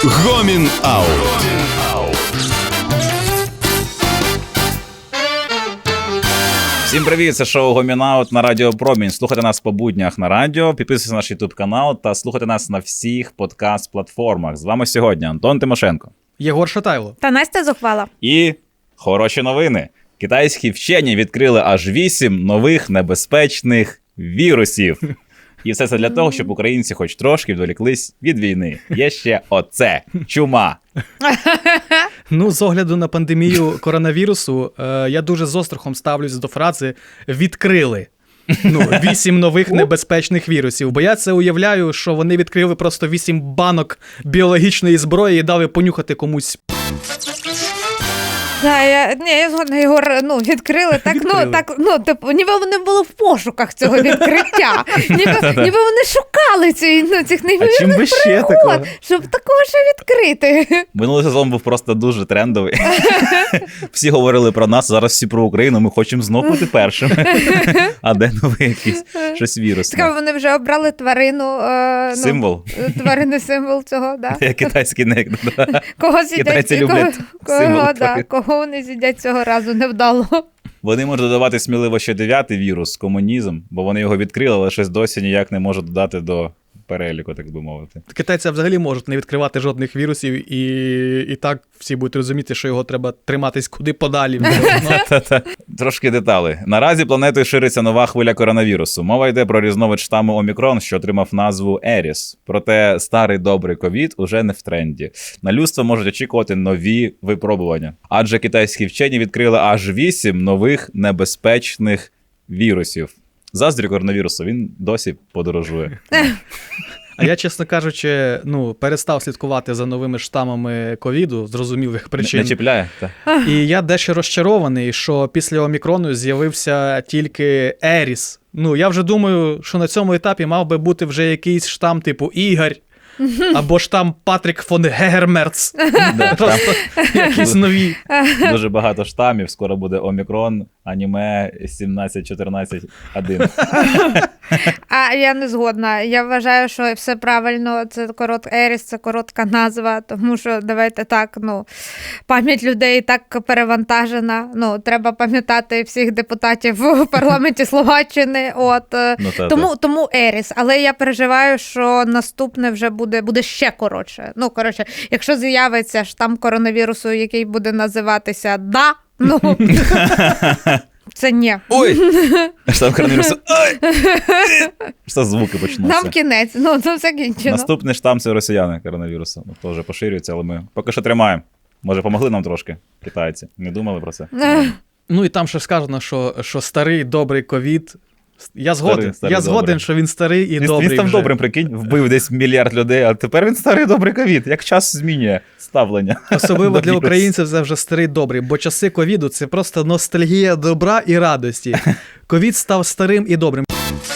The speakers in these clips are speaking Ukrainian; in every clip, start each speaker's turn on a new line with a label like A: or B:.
A: Гомін Аут.
B: Всім привіт, це шоу Гомін Аут на Радіо Промінь. Слухайте нас по буднях на радіо, підписуйтесь на наш YouTube канал та слухайте нас на всіх подкаст-платформах. З вами сьогодні Антон Тимошенко,
C: Єгор Шатайло
D: та Настя Зухвала.
B: І хороші новини. Китайські вчені відкрили аж 8 нових небезпечних вірусів. І все це для того, щоб українці хоч трошки відволіклись від війни. Є ще оце – чума.
C: Ну, з огляду на пандемію коронавірусу, я дуже з острахом ставлюсь до фрази «відкрили». 8 нових небезпечних вірусів. Бо я це уявляю, що вони відкрили просто 8 банок біологічної зброї і дали понюхати комусь.
D: Я згодна, Єгор, відкрили, ніби вони були в пошуках цього відкриття. Ніби вони шукали цих неймовірних пригод, щоб такого ще відкрити.
B: Минулий сезон був просто дуже трендовий. Всі говорили про нас, зараз всі про Україну, ми хочемо знову бути першими. А де новий якийсь щось вірусне?
D: Цікаво, вони вже обрали тварину.
B: Символ?
D: Тваринний символ цього, так.
B: Я китайський не...
D: Кого з'їдять?
B: Китайці люблять символ тварин.
D: Кого вони з'їдять цього разу невдало.
B: Вони можуть додавати сміливо ще 9-й вірус – комунізм, бо вони його відкрили, але щось досі ніяк не можуть додати до переліку, так би мовити.
C: Китайці взагалі можуть не відкривати жодних вірусів, і так всі будуть розуміти, що його треба триматись куди подалі.
B: Трошки деталей. Наразі планетою шириться нова хвиля коронавірусу. Мова йде про різновид штаму Омікрон, що отримав назву Еріс. Проте старий добрий ковід уже не в тренді. На людство можуть очікувати нові випробування. Адже китайські вчені відкрили аж 8 нових небезпечних вірусів. Заздрю коронавірусу, він досі подорожує.
C: А я, чесно кажучи, перестав слідкувати за новими штамами ковіду, з зрозумілих причин.
B: Не чіпляє? Так.
C: І я дещо розчарований, що після Омікрону з'явився тільки Еріс. Я вже думаю, що на цьому етапі мав би бути вже якийсь штам типу Ігор, або штам Патрік фон Гегермерц. Просто якісь нові.
B: Дуже багато штамів, скоро буде Омікрон, аніме 17-14-1.
D: А я не згодна. Я вважаю, що все правильно. Це Еріс, це коротка назва, тому що, давайте так, пам'ять людей так перевантажена. Треба пам'ятати всіх депутатів в парламенті Словаччини. Тому Еріс. Але я переживаю, що наступне вже буде ще коротше. Якщо з'явиться штам коронавірусу, який буде називатися «Да», це ні.
B: Ой! Штам коронавірусу. Ой! Що звуки почнуться.
D: Нам кінець. Це все кінчено. Наступний
B: штам – це росіяни коронавірусу. Теж поширюється, але ми поки що тримаємо. Може, помогли нам трошки китайці? Не думали про це?
C: І там ще сказано, що старий добрий ковід. Я згоден, що він старий і добрий.
B: Він став добрим, прикинь, вбив десь мільярд людей, а тепер він старий добрий ковід. Як час змінює ставлення.
C: Особливо для українців це вже старий добрий, бо часи ковіду – це просто ностальгія добра і радості. Ковід став старим і добрим.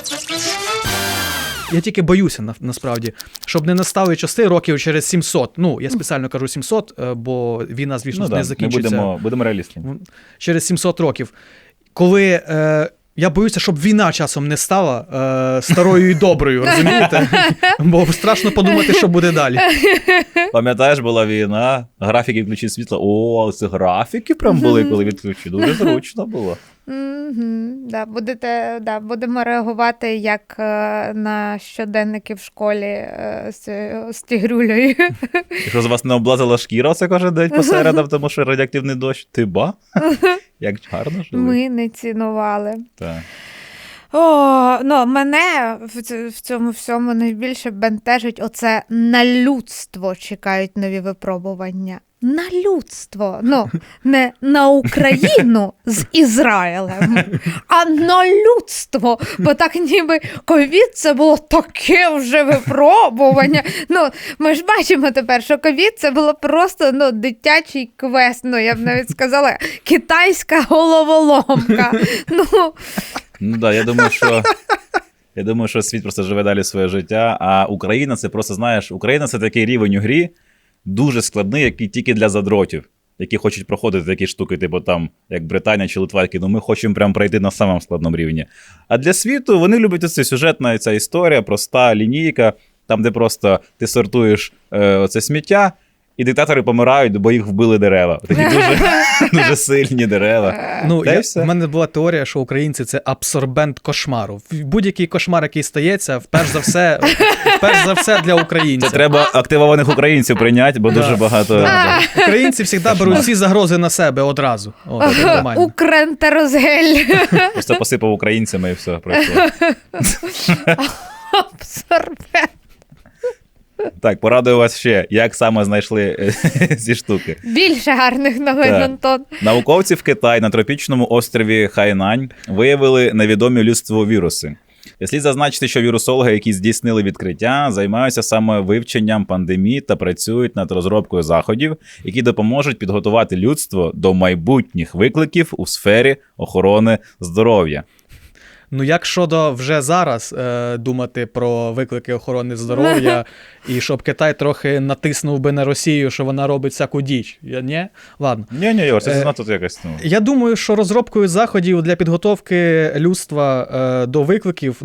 C: Я тільки боюся, насправді, щоб не настали часи років через 700. Я спеціально кажу 700, бо війна, звісно, не закінчиться.
B: Будемо реалістами.
C: Через 700 років. Коли... Я боюся, щоб війна часом не стала старою і доброю, розумієте? Бо страшно подумати, що буде далі.
B: Пам'ятаєш, була війна, графіки включить світло. О, це графіки прям були, коли відключили. Дуже зручно було.
D: Будемо реагувати як на щоденники в школі з тігрюлею.
B: Якщо з вас не облазила шкіра це кожен день посередам, тому що радіоактивний дощ. Ти ба? Як гарно жили.
D: Ми не цінували.
B: Так.
D: Мене в цьому всьому найбільше бентежить оце на людство чекають нові випробування. На людство. Не на Україну з Ізраїлем, а на людство. Бо так ніби ковід це було таке вже випробування. Ми ж бачимо тепер, що ковід це було просто дитячий квест. Я б навіть сказала, китайська головоломка.
B: Я думаю, що світ просто живе далі своє життя, а Україна це просто, знаєш, Україна це такий рівень у грі, дуже складний, який тільки для задротів, які хочуть проходити такі штуки, типу там, як Британія чи Литва, які, ми хочемо прям пройти на самому складному рівні. А для світу вони люблять оце сюжетна ця історія, проста лінійка, там, де просто ти сортуєш оце сміття, і диктатори помирають, бо їх вбили дерева. Такі дуже сильні дерева.
C: Ну,
B: Та й все.
C: в мене була теорія, що українці – це абсорбент кошмару. Будь-який кошмар, який стається, перш за все для українців.
B: Це треба активованих українців прийняти, бо дуже багато...
C: Українці завжди беруть всі загрози на себе одразу. От, це нормально.
D: Укрентерозгель.
B: Просто посипав українцями і все, пройшло.
D: Абсорбент.
B: Так, порадую вас ще, як саме знайшли ці штуки.
D: Більше гарних новин,
B: Так.
D: Антон.
B: Науковці в Китаї на тропічному острові Хайнань виявили невідомі людству віруси. Слід зазначити, що вірусологи, які здійснили відкриття, займаються саме вивченням пандемії та працюють над розробкою заходів, які допоможуть підготувати людство до майбутніх викликів у сфері охорони здоров'я.
C: Ну, як щодо вже зараз думати про виклики охорони здоров'я, і щоб Китай трохи натиснув би на Росію, що вона робить всяку діч. Ні? Ладно.
B: Ні, Йор, це занадто якось...
C: Я думаю, що розробкою заходів для підготовки людства до викликів,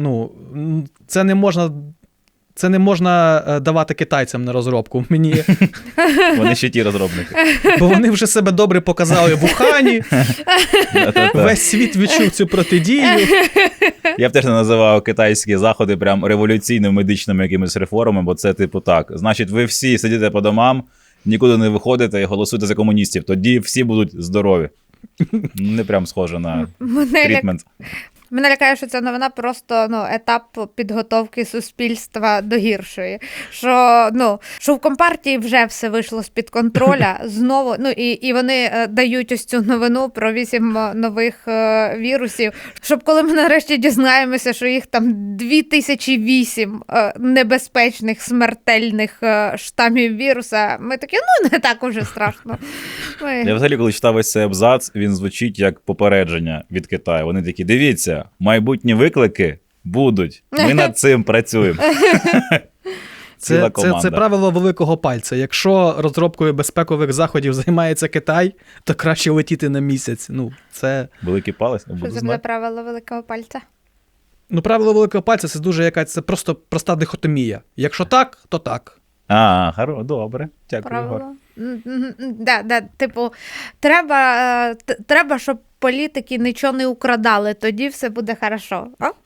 C: це не можна давати китайцям на розробку.
B: Вони ще ті розробники.
C: Бо вони вже себе добре показали в Ухані, весь світ відчув цю протидію.
B: Я б теж не називав китайські заходи прям революційними медичними якимись реформами, бо це типу так. Значить, ви всі сидите по домам, нікуди не виходите і голосуєте за комуністів. Тоді всі будуть здорові. Не прям схоже на трітмент.
D: Мене лякає, що ця новина просто етап підготовки суспільства до гіршої. Що в Компартії вже все вийшло з-під контроля знову. І вони дають ось цю новину про 8 нових вірусів, щоб коли ми нарешті дізнаємося, що їх там 2008 небезпечних, смертельних штамів віруса, ми такі, не так уже страшно.
B: Я взагалі, коли читав ось цей абзац, він звучить як попередження від Китаю. Вони такі, дивіться, майбутні виклики будуть. Ми над цим працюємо. Ціла команда.
C: Це правило великого пальця. Якщо розробкою безпекових заходів займається Китай, то краще летіти на місяць. Це...
B: Великий палець?
D: Що це буде правило великого пальця?
C: Правило великого пальця це просто проста дихотомія. Якщо так, то так.
B: Добре. Дякую, Ігор.
D: Правило. Типу, треба, щоб політики нічого не украдали, тоді все буде хорошо.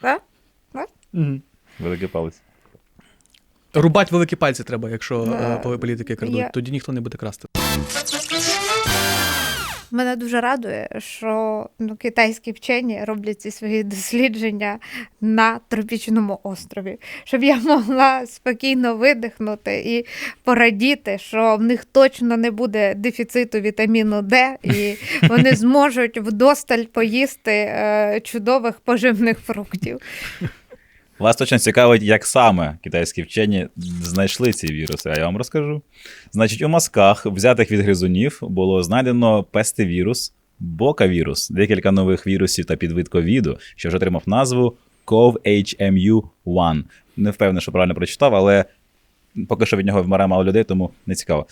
B: Великий палець.
C: Рубать великі пальці треба, якщо політики крадуть. Тоді ніхто не буде красти.
D: Мене дуже радує, що китайські вчені роблять ці свої дослідження на тропічному острові, щоб я могла спокійно видихнути і порадіти, що в них точно не буде дефіциту вітаміну Д, і вони зможуть вдосталь поїсти чудових поживних фруктів.
B: Вас точно цікавить, як саме китайські вчені знайшли ці віруси, а я вам розкажу. Значить, у мазках, взятих від гризунів, було знайдено пестивірус, бокавірус, декілька нових вірусів та підвид ковіду, що вже отримав назву CoV-HMU1. Не впевнений, що правильно прочитав, але поки що від нього вмирає мало людей, тому не цікаво.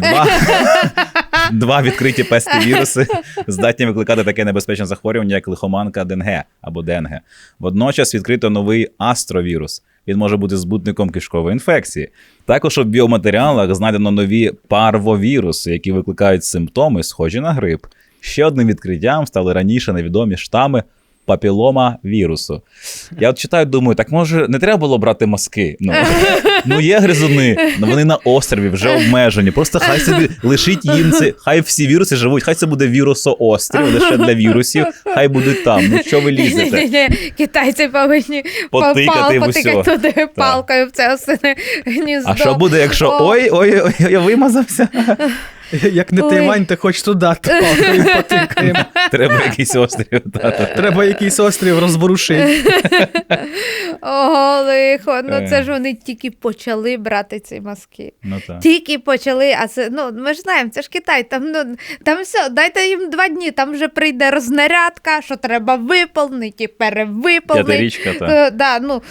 B: Два відкриті пестивіруси здатні викликати таке небезпечне захворювання, як лихоманка Денге або Денге. Водночас відкрито новий астровірус. Він може бути збутником кишкової інфекції. Також у біоматеріалах знайдено нові парвовіруси, які викликають симптоми, схожі на грип. Ще одним відкриттям стали раніше невідомі штами папілома вірусу. Я от читаю, думаю, так може не треба було брати мазки? Є гризуни, вони на острові вже обмежені. Просто хай собі лишіть їм це, хай всі віруси живуть, хай це буде вірусоострів лише для вірусів, хай будуть там. Що ви лізете?
D: Китайці повинні потикати туди палкою в це осине гніздо.
B: А що буде, якщо ой, я вимазався?
C: Як не Тайвань, то хоч туди палкою потикаємо.
B: Треба якийсь острів.
C: Треба якийсь острів розворушити.
D: Ого, лихо. Це ж вони тільки почали брати ці мазки. Тільки почали, а це, ми ж знаємо, це ж Китай, там все, дайте їм 2 дні, там вже прийде рознарядка, що треба виповнити, перевиповнити.
B: 5-річка, так.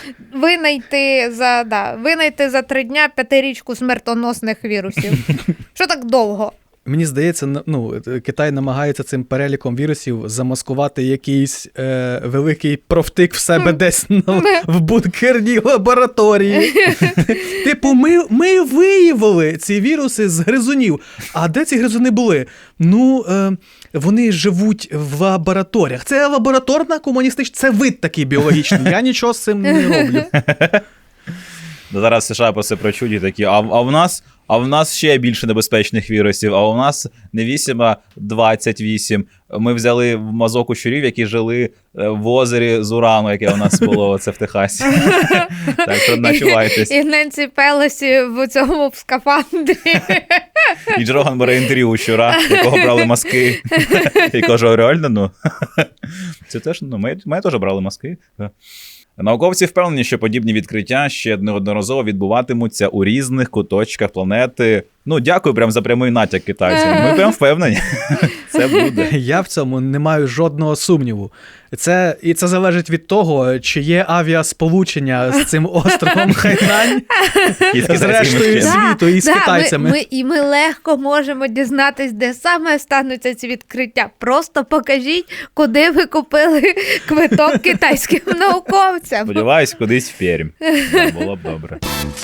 D: Винайти за 3 дня 5-річку смертоносних вірусів. Що так довго?
C: Мені здається, Китай намагається цим переліком вірусів замаскувати якийсь великий профтик в себе десь в бункерній лабораторії. Типу, ми виявили ці віруси з гризунів. А де ці гризуни були? Вони живуть в лабораторіях. Це лабораторна комуністична, це вид такий біологічний. Я нічого з цим не роблю.
B: Зараз США про це прочуть і такі, а в нас ще більше небезпечних вірусів, а у нас не 8, а 28. Ми взяли в мазок у щурів, які жили в озері з урану, яке у нас було це в Техасі. Так що начувайтесь.
D: І Ненсі Пелосі в цьому в скафандрі.
B: І Джороган бере інтерв'ю у щура, якого брали маски. І каже, реально, це теж, ми теж брали маски. Науковці впевнені, що подібні відкриття ще неодноразово відбуватимуться у різних куточках планети. Дякую прям за прямий натяк китайцям. Ми прям впевнені. Це буде.
C: Я в цьому не маю жодного сумніву. Це залежить від того, чи є авіасполучення з цим островом Хайнань, з рештою світу і з китайцями.
D: Ми легко можемо дізнатись, де саме стануться ці відкриття. Просто покажіть, куди ви купили квиток китайським науковцям.
B: Сподіваюсь, кудись в Пермь. Було б добре.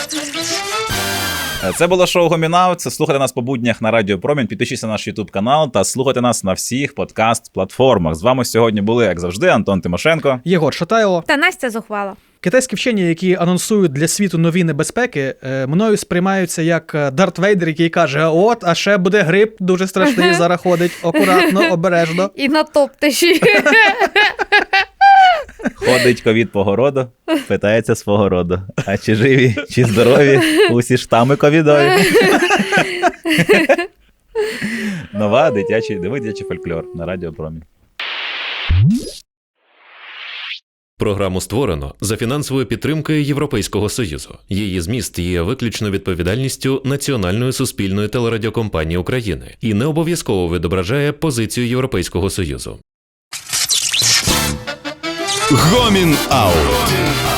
B: Це було шоу Гомінаут. Слухайте нас по буднях на Радіо Промінь, підпишіться на наш YouTube канал та слухайте нас на всіх подкаст-платформах. З вами сьогодні були, як завжди, Антон Тимошенко,
C: Єгор Шатайло
D: та Настя Зухвала.
C: Китайські вчені, які анонсують для світу нові небезпеки, мною сприймаються як Дарт Вейдер, який каже, а ще буде грип дуже страшний, зараз ходить, акуратно, обережно.
D: І на топтиші.
B: Ходить ковід по городу, питається свого роду. А чи живі, чи здорові усі штами ковідові? Нова дитячий фольклор на Радіо Промінь.
A: Програму створено за фінансовою підтримкою Європейського Союзу. Її зміст є виключно відповідальністю Національної суспільної телерадіокомпанії України і не обов'язково відображає позицію Європейського Союзу.
B: Гомін Аут.